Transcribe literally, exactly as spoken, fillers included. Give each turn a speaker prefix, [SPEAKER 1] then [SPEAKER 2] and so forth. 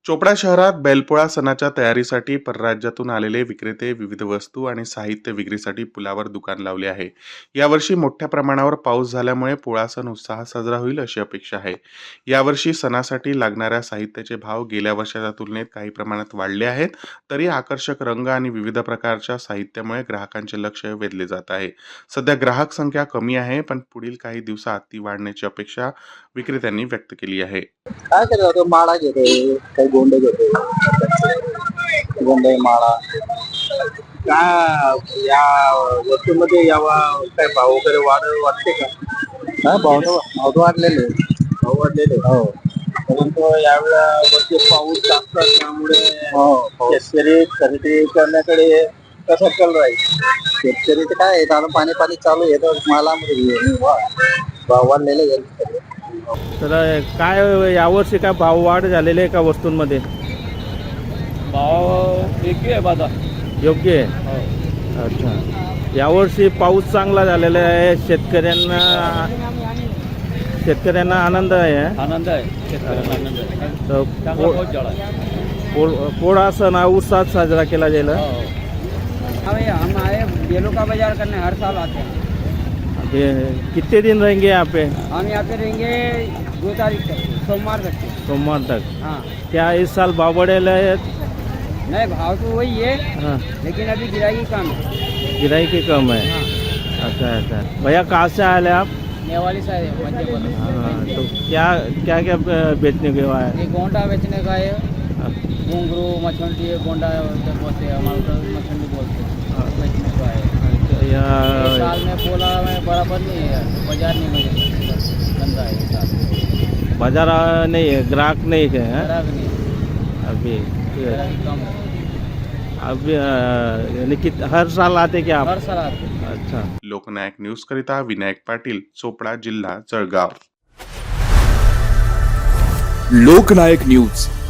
[SPEAKER 1] चोपडा शहरात बैलपोळा सणाच्या तयारीसाठी परराज्यातून आलेले विक्रेते विविध वस्तू आणि साहित्य विक्रीसाठी पुलावर दुकान लावले आहे. यावर्षी मोठ्या प्रमाणावर पाऊस झाल्यामुळे पोळा सण उत्साहात साजरा होईल अशी अपेक्षा आहे. यावर्षी सणासाठी लागणाऱ्या साहित्याचे भाव गेल्या वर्षाच्या तुलनेत काही प्रमाणात वाढले आहेत. तरी आकर्षक रंग आणि विविध प्रकारच्या साहित्यामुळे ग्राहकांचे लक्ष वेधले जात आहे. सध्या ग्राहक संख्या कमी आहे, पण पुढील काही दिवसात ती वाढण्याची अपेक्षा विक्रेत्यांनी व्यक्त केली आहे.
[SPEAKER 2] काय करत होतो माळा घेतोय काही गोंडे घेतोय गोंडे माळा काय या वस्तूमध्ये यावा काय भाव वगैरे वाढ वाटते का? हा भाव भाव वाढलेले भाव वाढलेले हो. परंतु यावेळेला वरती पाऊस जास्त असल्यामुळे शेतकरी खरेदी करण्याकडे कसा कल राहील? शेतकरीचं काय आहे आता पाणी पाणी चालू आहे तर मालामध्ये भाव वाढलेले आहे.
[SPEAKER 3] तर काय यावर्षी काय भाव वाढ झालेले आहे का वस्तूंमध्ये?
[SPEAKER 4] भाव योग्य आहे बाजार
[SPEAKER 3] योग्य आहे. अच्छा, यावर्षी पाऊस चांगला झालेला आहे. शेतकऱ्यांना शेतकऱ्यांना आनंद आहे.
[SPEAKER 4] आनंद आहे शेतकऱ्यांना आनंद आहे.
[SPEAKER 3] तर
[SPEAKER 4] चांगला
[SPEAKER 3] पो-
[SPEAKER 4] पाऊस झाला आहे.
[SPEAKER 3] पो- पोळा सण हा उत्साहात साजरा केला जाईल.
[SPEAKER 2] अभी हम आए बेलों का बाजार करने हर साल आते हैं।
[SPEAKER 3] अभी कितने दिन रहेंगे यहाँ पे?
[SPEAKER 2] हम यहाँ पे रहेंगे दो तारीख तक सोमवार तक।
[SPEAKER 3] सोमवार तक.
[SPEAKER 2] हाँ
[SPEAKER 3] क्या इस साल भाव बढ़ेले आहेत?
[SPEAKER 2] नहीं भाव तो वही है
[SPEAKER 3] हाँ,
[SPEAKER 2] लेकिन अभी गिराई कम है।
[SPEAKER 3] गिराई की कम है.
[SPEAKER 2] हाँ
[SPEAKER 3] अच्छा अच्छा. भैया कहाँ से आए आप?
[SPEAKER 2] नेवाली साइड है मध्य प्रदेश।
[SPEAKER 3] हाँ, तो क्या क्या क्या बेचने के हुआ है?
[SPEAKER 2] ये गोंडा बेचने का है, घुंघरू मछली है, गोंडा बोलते हैं हमारे उधर मछली बोलते हैं,
[SPEAKER 3] हाँ.
[SPEAKER 2] बेचने का है।
[SPEAKER 3] अच्छा,
[SPEAKER 2] इस
[SPEAKER 3] या
[SPEAKER 2] साल में पोला में बराबर नहीं है, बाजार नहीं मिले धंधा है इस साल।
[SPEAKER 3] बाजार नहीं है, ग्राहक नहीं है, हैं?
[SPEAKER 2] ग्राहक नहीं है,
[SPEAKER 3] अभी
[SPEAKER 2] ग्राहक कम है।
[SPEAKER 3] अभी अ, यानी कि हर साल आते क्या आप?
[SPEAKER 2] हर साल आते हैं।
[SPEAKER 3] अच्छा.
[SPEAKER 1] लोकनायक न्यूज करिता विनायक पाटील, चोपडा जिल्हा जळगाव.
[SPEAKER 5] लोकनायक न्यूज